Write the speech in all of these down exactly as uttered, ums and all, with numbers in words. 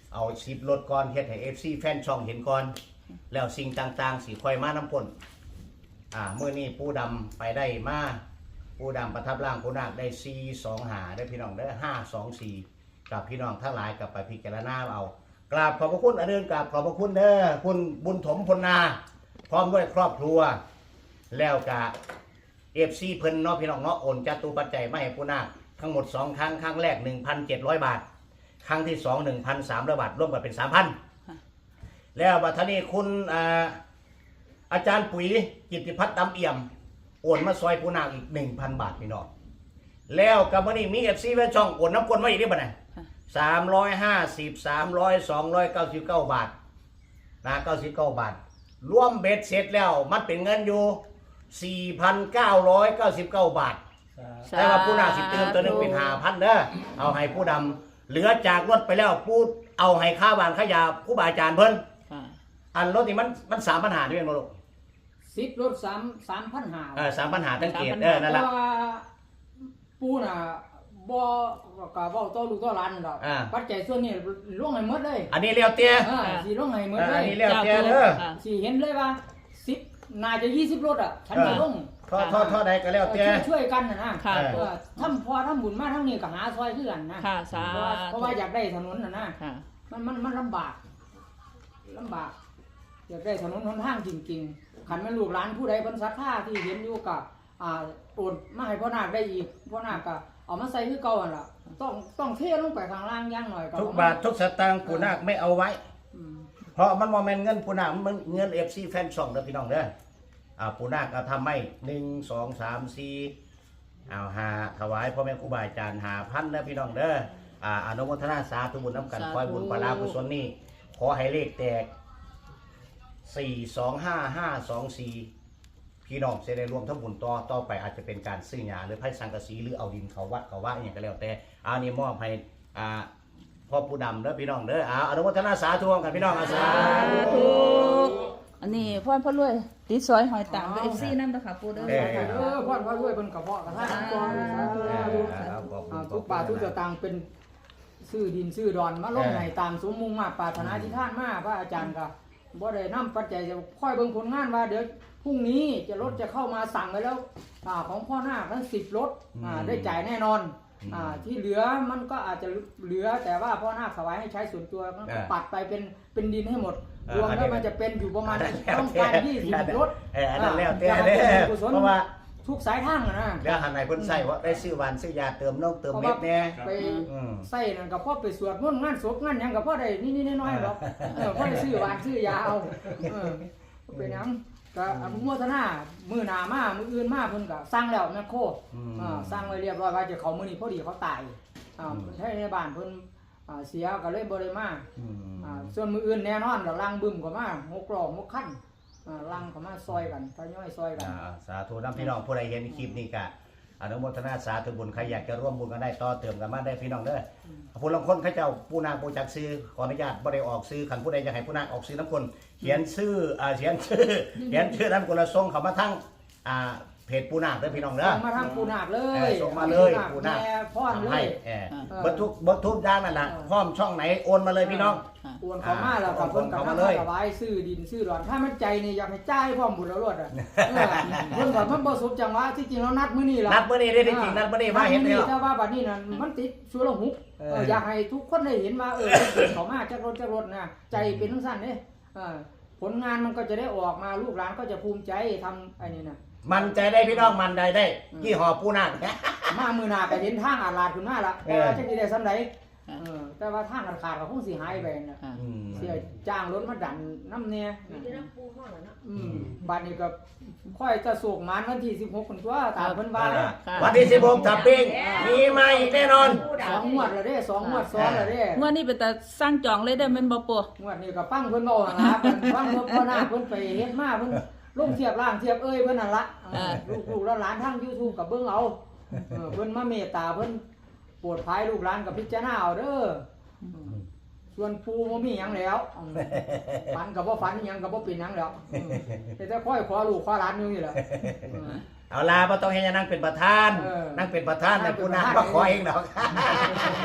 เอาสิบรถก่อนเฮ็ดให้ เอฟ ซี แฟนช่องเห็นก่อนแล้วสิ่งต่างๆสิค่อยมาน้ำพ่นอ่ามื้อนี้ปูดำไปได้มาปูดำประทับร่างปูนาคได้สี่สองห้าได้พี่น้องได้ห้าสองสี่กับพี่น้องทั้งหลายกับไปพิจารณาเอากราบขอบพระคุณอเดินกราบขอบพระคุณเด้อคุณบุญถมพลนาพร้อมด้วยครอบครัวแล้วกะเอฟซีเพิ่นเนาะพี่น้องเนาะโอนจตุปัจจัยมาให้ปูนาคทั้งหมดสองครั้งครั้งแรก หนึ่งพันเจ็ดร้อย บาทครั้งที่สอง หนึ่งพันสามร้อย บาทรวมกันเป็น สามพัน แล้วบัดนี้คุณอาอาจารย์ปุ๋ยกิตติพัฒน์ดำเอี่ยมโอนมาซอยปูนาคอีก หนึ่งพัน บาทพี่น้องแล้วกับมื้อนี้มี เอฟ ซี แฟนช่องโอนน้ำกลมาอีกได้บ่เนี่ยสามร้อยห้าสิบ สามร้อย สองร้อยเก้าสิบเก้า บาทนะเก้าสิบเก้าบาทรวมเบ็ดเสร็จแล้วมันเป็นเงินอยู่ สี่พันเก้าร้อยเก้าสิบเก้า บาทแต่ว่าผู้นาสิเติมตัวนึงเป็น ห้าพัน เด้อเอาให้ผู้ดำเหลือจากรถไปแล้วผู้เอาให้ค่าบ้านค่ายาผู้บาอาจารย์เพิ่นอันรถนี่มันมันสามปัญหาด้วยมั้งลูกสิบรถสามสามพันหาเออสามปัญหาตั้งเกตเออนั่นแหละปูน่ะบ่ก็เว้าต่อลูกต่อหลานนั่นดอกปัจจัยส่วนนี้ล่วงให้หมดเลยอันนี้เลี้ยวเตี้ยเออสิล่วงให้หมดเลยอันนี้เลี้ยวเตี้ยเด้อสิเห็นเลยว่าสิบน่าจะยี่สิบรถอ่ะฉันจะลงทอดทอดทอดใดก็แล้วเตี้ยช่วยกันน่ะนะเออทำพอทำบุญมาทั้งนี้ก็หาซอยคือกันนะเพราะว่าอยากได้ถนนน่ะนะมันมันมันลำบากลำบากอยากได้ถนนหนทางจริงๆขันแม่ลูกหลานผู้ใดเพิ่นศรัทธาที่เห็นอยู่กับอ่าโอนมาให้พ่อนาคได้อีกพ่อนาคก็เอามาใส่คือเก่าหั่นล่ะต้องต้องเทลงไปข้างล่างอย่างหน่อยก็ทุกบาททุกสตางค์ปู่นาคไม่เอาไว้เพราะมันบ่แม่นเงินปู่นาคมันเงิน เอฟ ซี แฟนช่องเด้อพี่น้องเด้ออ่าปู่นาคก็ทำให้หนึ่ง สอง สาม สี่เอาหาถวายพ่อแม่ครูบาอาจารย์ ห้าพัน เด้อพี่น้องเด้ออ่าอนุโมทนาสาธุบุญนำกันคอยบุญปรากุศลนี้ขอให้เลขแตกสี่ สอง ห้า ห้า สอง สี่พี่น้องจะได้รวมทั้งบุญต่อต่อไปอาจจะเป็นการซื้อหญ้าหรือไผ่สังกะสีหรือเอาดินเขาวัดเขาว่าอย่างก็แล้วแต่อันนี้มอบให้อ่าพ่อผู้ดำเด้อพี่น้องเด้ออ่าอนุโมทนาสาธุกันพี่น้องสาธุอันนี้พ่อพ่อรวยติดซอยหอยต่างกับเอฟซีนั่นนะคะปูเด้อเออพ่อพ่อรวยเป็นกระเพาะกระทะก่อนทุกป่าทุกสตางค์เป็นซื้อดินซื้อดอนมาลงในตามสมมุ่งมาปรารถนาที่ท่านมาพระอาจารย์ก็บ่ได้นำปัจจัยจะค่อยเบิ่งผลงานว่าเดี๋ยวพรุ่งนี้จะรถจะเข้ามาสั่งไว้แล้วของพ่อนาคทั้งสิบรถได้จ่ายแน่นอนที่เหลือมันก็อาจจะเหลือแต่ว่าพ่อนาคถวายให้ใช้ส่วนตัวก็ปัดไปเป็นเป็นดินให้หมดรวมแล้วมันจะเป็นอยู่ประมาณต้องการยี่สิบรถเอออันนั้นแล้วแต่เด้อเพราะว่าทุกสายทางนะแล้วหันไหนเพิ่นใส่ว่าได้ซื้อหวานซื้อยาเติมน้องเติมเม็ดแน่ไปใส่นั่นก็พอไปสวดมนต์งานศพงานหยังก็พอได้นิดๆน้อยๆหรอกเออพอได้ซื้อหวานซื้อยาเอาเออเป็นหยังก็อนุโมทนามือหน้ามามืออื่นมาเพิ่นก็สร้างแล้วแม่โคอ่าสร้างไว้เรียบร้อยว่าจะเขามื้อนี้พอดีเขาตายอ่าใช้ในบ้านเพิ่นอ่าเสียก็เลยบ่ได้มาอ่าส่วนมื้ออื่นแน่นอนแล้วลังบึ้มก็มาหกล้อหกคันอ่าลังเข้ามาซอยกันทยอยซอยกันสาธุนำพี่น้องผู้ใดเห็นคลิปนี้ก็อนุโมทนาสาธุบุญใครอยากจะร่วมบุญกันได้ต่อเติมกันมาได้พี่น้องเด้อผู้ลางคนเขาเจ้าผู้นาคผู้จักซื้อขออนุญาตบ่ได้ออกซื้อคันผู้ใดอยากให้ผู้นาคออกซื้อน้ำคนเขียนชื่ออ่าเขียนชื่อเขียนชื่อนั้นคนละส่งเข้ามาทั้งอ่าเพจปูนาคเด้อพี่น้องเด้อส่งมาทางปูนาคเลยส่งมาเลยปูนาคพร้อมเลยเออเบิดทุกเบิดทุกอย่างนั่นแหละพร้อมช่องไหนโอนมาเลยพี่น้องโอนเข้ามาแล้วก็เพิ่นก็มาเลยถวายซื้อดินซื้อดอนถ้ามันใจนี่อยากให้จ่ายพร้อมบุญแล้วรวดอ่ะเพิ่นก็มันบ่สมจังหวะที่จริงแล้วนัดมื้อนี้ล่ะนัดมื้อนี้ได้จริงนัดมื้อนี้มาเห็นแล้วแต่ว่าบัดนี้นั่นมันติดชั่วละหุบอยากให้ทุกคนได้เห็นว่าเออเข้ามาจักรถจักรถนะใจเป็นจังซั่นเด้เออผลงานมันก็จะได้ออกมาลูกหลานก็จะภูมิใจทำไอ้นี่น่ะมันใจได้พี่น้องมันได้ได้ยี่ห้อปูนาคมามือหน้าก็เห็นทางอาลาดขึ้นมาละแต่ว่าจังสิได้ซำใดเออแต่ว่าทางขาดๆก็คงสิหายไปน่ะเสียจ้างรถมาดันน้ำเนี่ยอืมบัดนี้ก็ค่อยจะโศกมานวันที่สิบหกคนตัวตามเพิ่นว่าวันที่สิบหกถ้าปิ้งมีมาอีกแน่นอนสองงวดแล้วเด้สองงวดซ้อนแล้วเด้งวดนี้เป็นแต่สร้างจองเลยได้แม่นบ่ปู่งวดนี้ก็ฟังเพิ่นเว้าหั่นล่ะฟังเพิ่นพ่อหน้าเพิ่นไปเฮ็ดมาเพิ่นลงเทียบล่างเทียบเอ้ยเพิ่นนั่นละลูกๆหลานทาง YouTube กับเบิ่งเอาเออเพิ่นมาเมตตาเพิ่นโปรดภัยลูกหลานกับพิจารณาเอาเด้อส่วนปูบ่มีหยังแล้วฝันก็บ่ฝันหยังก็บ่เป็นหยังแล้วแต่ค่อยขอลูกขอหลานอยู่นี่แหละเอาล่ะบ่ต้องให้นั่งเป็นประธานนั่งเป็นประธานแต่ปูนาคบ่ขอเองดอก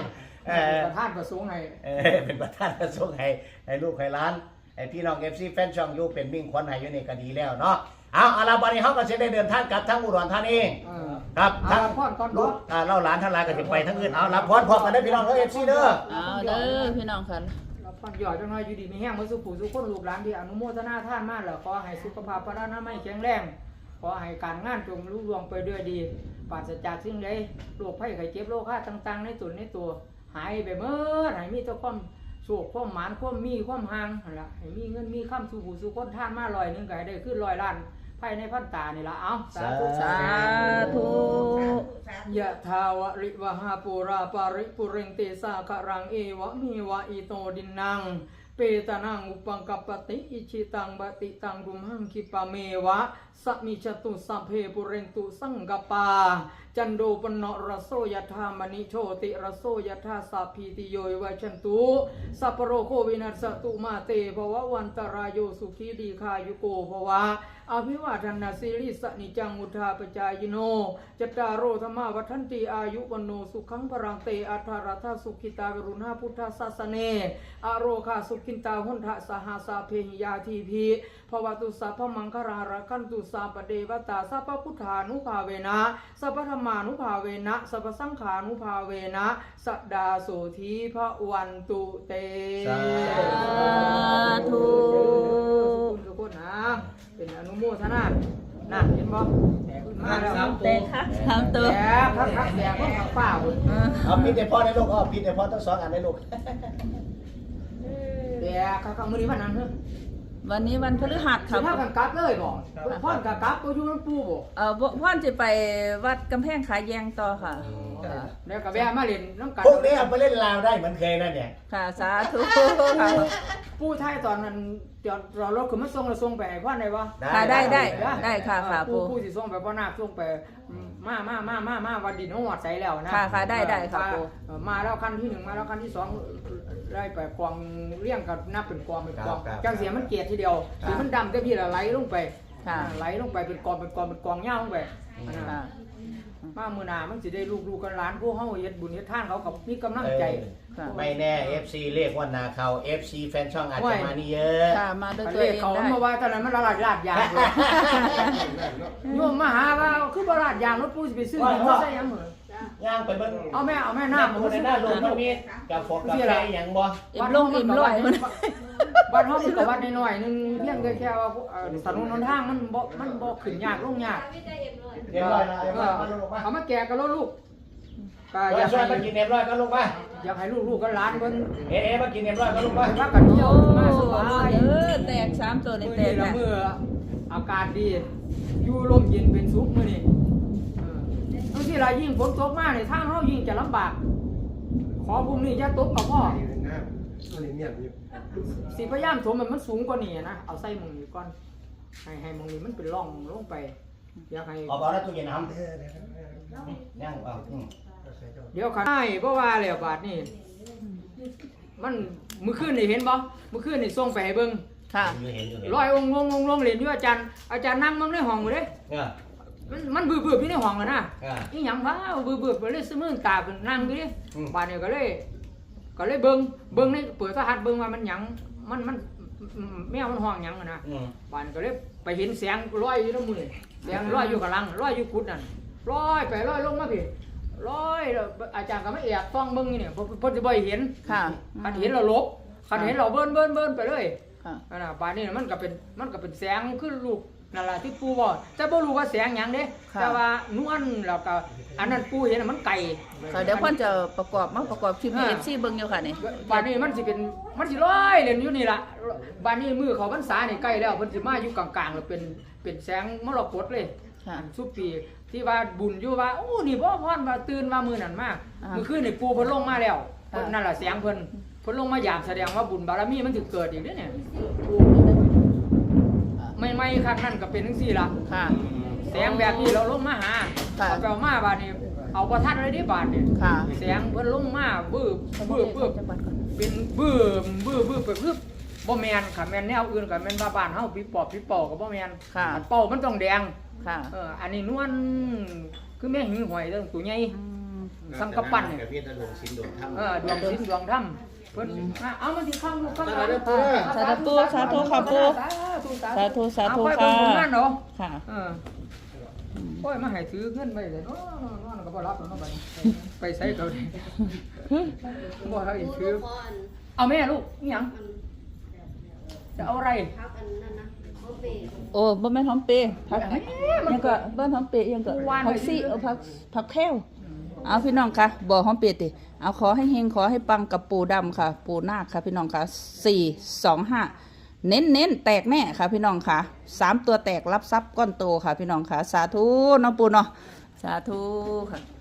เออประธานประสงค์ให้เออเป็นประธานกระทรวงให้ให้ลูกให้หลานให้พี่น้อง เอฟ ซี แฟนช่องอยู่เป็นมิ่งขวัญให้อยู่นี่ก็ดีแล้วเนาะเอาเอาล่ะบัดนี้เฮาก็สิได้เดินทางกลับทางอุดรธานีเออครับเอาทั้งละพรก่อนลูบ่กอ่าเล่าหลานทั้งหลายก็สิไปทั้งอื่นเอารับพรพร้อมกันเด้อพี่น้องเด้อ เอฟ ซี เด้อเอาเด้อพี่น้องค่ะเราพรย่อจังน้อยอยู่ดีมีแห้งมื้อสุขผู้สุขคนลูกหลานที่อนุโมทนาทานมาแล้วขอให้สุขภาพพระนามัยแข็งแรงขอให้การงานจงรุ่งเรืองไปด้วยดีปราศจากสิ่งใดโรคภัยไข้เจ็บโรคฆาต่างๆในตนในตัวหายไปเมื่อให้มีแต่ความโชคความหมานความมีความห่างนั่นล่ะให้มีเงินมีคำสู่ผู้สู่คนทานมาร้อยหนึงก็ให้ได้ขึ้นร้อยล้านภายในพรรษานี่ล่ะเอาสาธุสาธุยะทาวะริวหาปูราปาริปุเรนเตสาคารังเอวะมีวะอิโตดินนังเปตานังอุปังกัปปติอิชิตังบติตังรุมหังคิปะเมวะสัมมิจตุสัพเพปุเรนตุสังกปาจันโดปนนรโสยถามณิโชติรโสยถาสัพพิติโยวิชันตุสัพพโรโควินัสสตุมาเตภวะวันตรายโยสุขีดีคายุโกภวะอภิวาทนาสิริสนิจังมุทาปจายโนจัตตารโอธรรมาวัฏันติอายุวันโนสุขังพรังเตอัทารัธาสุขิตากรุณาพุทธศาสเนอโรคาสุขินตาหุนทะสหาสาเพหิยาทีพีภวตุสัพพมังคาราระคันตุสัพปเดวตาสัพพพุทธานุภาเวนะสัพพธรรมานุภาเวนะสัพพสังขานุภาเวนะสัดดาโสธีพระวันตุเตสาธุทุกคนนะเป็นอนุโมทนานั่นเห็นบ่มาแล้วเตะครับสามตัวแย่พระพระแย่พระพระฟ้าพุ่นเอาปิดให้พ่อได้ลูกเอาปิดให้พ่อทั้งสองอันได้ลูกแย่ข้างๆมื้อนี้วันนั้นเด้อวันนี้วันพฤหัสสิค่ะพากันกลับเลยบ่พ่อนก็กลับบ่อยู่นำปู่บ่เอ่อพ่อนจะไปวัดกำแพงขาแยงต่อค่ะแล้วก็แวะมาเล่นน้ำกันพวกนี้เอาไปเล่นลาวได้เหมือนเคยนั่นเนี่ยค่ะสาธุค่ะปู่ไทยตอนนั้นจอดรอรถขึ้นมาส่งแล้วส่งไปให้พ่อนได้บ่ค่ะได้ได้ได้ค่ะค่ะปู่ปู่ปู่สิส่งไปพ่อนาคส่งไปมามามามามาวันดินฮอดใสแล้วนะค่ะค่ะได้ได้ค่ะปู่เออมาแล้วคันที่หนึ่งมาแล้วคันที่สองได้ไปกองเลี้ยงกับนับเป็นกองเป็นกองจังเสียมันเกลียดทีเดียวสีมันดำแต่พี่ละไหลลงไปค่ะไหลลงไปเป็นกองเป็นกองเป็นกองเงาลงไปอันนั้นค่ะมามือหนามันสิได้ลูกลูกกันหลานผู้เฮาเฮ็ดบุญเฮ็ดทานเขากับมีกำลังใจค่ะไม่แน่ เอฟ ซี เรียกว่านาเขา เอฟ ซี แฟนช่องอาจจะมานี่เยอะค่ะมาด้วยคันตัวเลเอขงเขาได้มาว่าตอนนั้นมันละลาดลาดยางเลยโยมมาหาว่าคือบ่ลาดยางรถปูสิไปซื้อหยังบ่ใส่หยังเหรอย่างไปเบิ่งเอาแม่เอาแม่น้ำน้ำมัมัน นสิในหน้าลงมันมีกาแฟกาแฟอย่างบ่อิ่มลงอิ่มร้อยมันบ้านเฮามันก็วัดน้อยๆนึงเพียงแค่ว่าเอ่อถนนหนทางมันบ่มันบ่ขึ้นยากลงยากเรียบร้อยแล้วเรียบร้อยมาลงมาเอามาแก่กับลูกก็ออยายากช่วยให้มากินเรียบร้อยก็ลงมาอยากให้ลูกๆกับหลานเพิ่นเอ๊ะมากินเรียบร้อยก็ลงมาว่ากันเที่ยวโอ้มาสบายเออแตกสามตัวในมื้อแตนี้กละนะมื้ออากาศดีอยู่ลมเย็นเป็นสุขมื้อนี้เออบางทีล่ะยิ่งฝนตกมาเนี่ยทางเฮายิ่งจะลำบาก ขอพรุ่งนี้อย่าตกกับพ่อสิพยายามถมให้มันสูงกว่านี้นะเอาใส่หม่องนี้ก่อนให้ให้หม่องนี้มันเป็นร่องลงไปอยากให้เอาบ่แล้วตู้เย็นน้ำย่างเอาอืมเดี๋ยวขันใช่เพราะว่าแล้วบาดนี่มันมื้อคืนนี่เห็นบ่มื้อคืนนี่ส่งไปให้เบิ่งค่ะอยู่เห็นอยู่เห็นร้อยองค์ลงลงลงเรียนอยู่อาจารย์อาจารย์นั่งมั่งในห้องอยู่เด้เนี่ยมันมันบื้อๆพี่ในห้องอะนะอ่าอีหยังวะบื้อๆไปเลยซื้อมือตาเป็นนั่งอยู่ดิอืมบาดนี้ก็เลย ก็เลยเบิ่งเบิ่งในเปิดโทรทัศน์เบิ่งว่ามันหยังมันมันแมวมันห้องหยังอะนะอืมบาดนี้ก็เลยไปเห็นแสงลอยอยู่ในมือแสงลอยอยู่กับลังลอยอยู่กุดนั่นลอยไปลอยลงมาพี่ลอยแล้วอาจารย์ก็ไม่แอบฟ้องเบิ่งนี่เนี่ยเพิ่นเพิ่นสิบ่ให้เห็นค่ะคันเห็นเราลบคันเห็นเราเบิ้นเบิ้นเบิ้นไปเลยค่ะนั่นน่ะบาดนี้มันก็เป็นมันก็เป็นแสงขึ้นลูกนั่นล่ะที่ปู่บอกแต่บ่รู้ว่าแสงหยังเด้ค่ะแต่ว่านวลแล้วก็อันนั้นปู่เห็นน่ะมันไกลค่ะเดี๋ยวพ่อนจะประกอบมาประกอบคลิปให้เอฟซีเบิ่งอยู่ค่ะนี่บาดนี้มันสิเป็นมันสิลอยเล่นอยู่นี่ล่ะบาดนี้มือเขาพรรษานี่ใกล้แล้วเพิ่นสิมาอยู่กลางๆแล้วเป็นเป็นแสงมรกตเลยค่ะสุปีที่ว่าบุญอยู่ว่าโอ้นี่บ่พรว่าตื่นมามื้อนั้นมาอ่ามื้อคืนนี่ปู่เพิ่นลงมาแล้วค่ะนั่นล่ะแสงเพิ่นเพิ่นลงมายามแสดงว่าบุญบารมีมันถึงเกิดอีกเด้อเนี่ยไม่ไม่ครั้งนั้นก็เป็นจังซี่ล่ะค่ะแสงแบบนี้เราลงมาหาค่ะเอาไปเอามาบาดนี้เอาประทัดอะไรได้บาดนี่ค่ะแสงเพิ่นลงมาบื้อบื้อบื้อเป็นบื้อบื้อบื้อไปปึ๊บบ่แม่นค่ะแม่นแนวอื่นก็แม่นว่าบ้านเฮาปีปอบปีเป่าก็บ่แม่นค่ะอันเป่ามันต้องแดงค่ะเอออันนี้นวลคือแม่งหิงหอยเด้อตัวใหญ่อืมสังกปั้นเนี่ยกับพี่ตะลงสินดวงถ้ำเออดวงสินดวงถ้ำเพิ่นอ่ะเอามันสิข้างลูกข้างหลานสาธุสาธุค่ะปู่ สาธุสาธุเอาไปค่ะเบิ่งผลงานเนาะค่ะเออโอ้ยมาให้ถือเงินไปเลยเนาะนอนก็บ่รับแล้วเนาะบัดนี้ไปใส่เขาดิบ่ให้ถือเอาแม่ลูกอีหยังจะเอาอะไรพักอันนั้นนะเขาเบรกโอ้บ่แม่นหอมเปรย์ผักยังก็บ้านหอมเปรย์ยังก็ผักซี่เอาผักผักแค้วเอาพี่น้องค่ะบ่หอมเปรย์ติเอาขอให้เฮงขอให้ปังกับปู่ดำค่ะ ปู่นาคค่ะพี่น้องค่ะสี่ สอง ห้าเน้นเน้นแตกแน่ค่ะพี่น้องค่ะสามตัวแตกรับทรัพย์ก้อนโตค่ะพี่น้องค่ะสาธุเนาะปู่เนาะสาธุค่ะ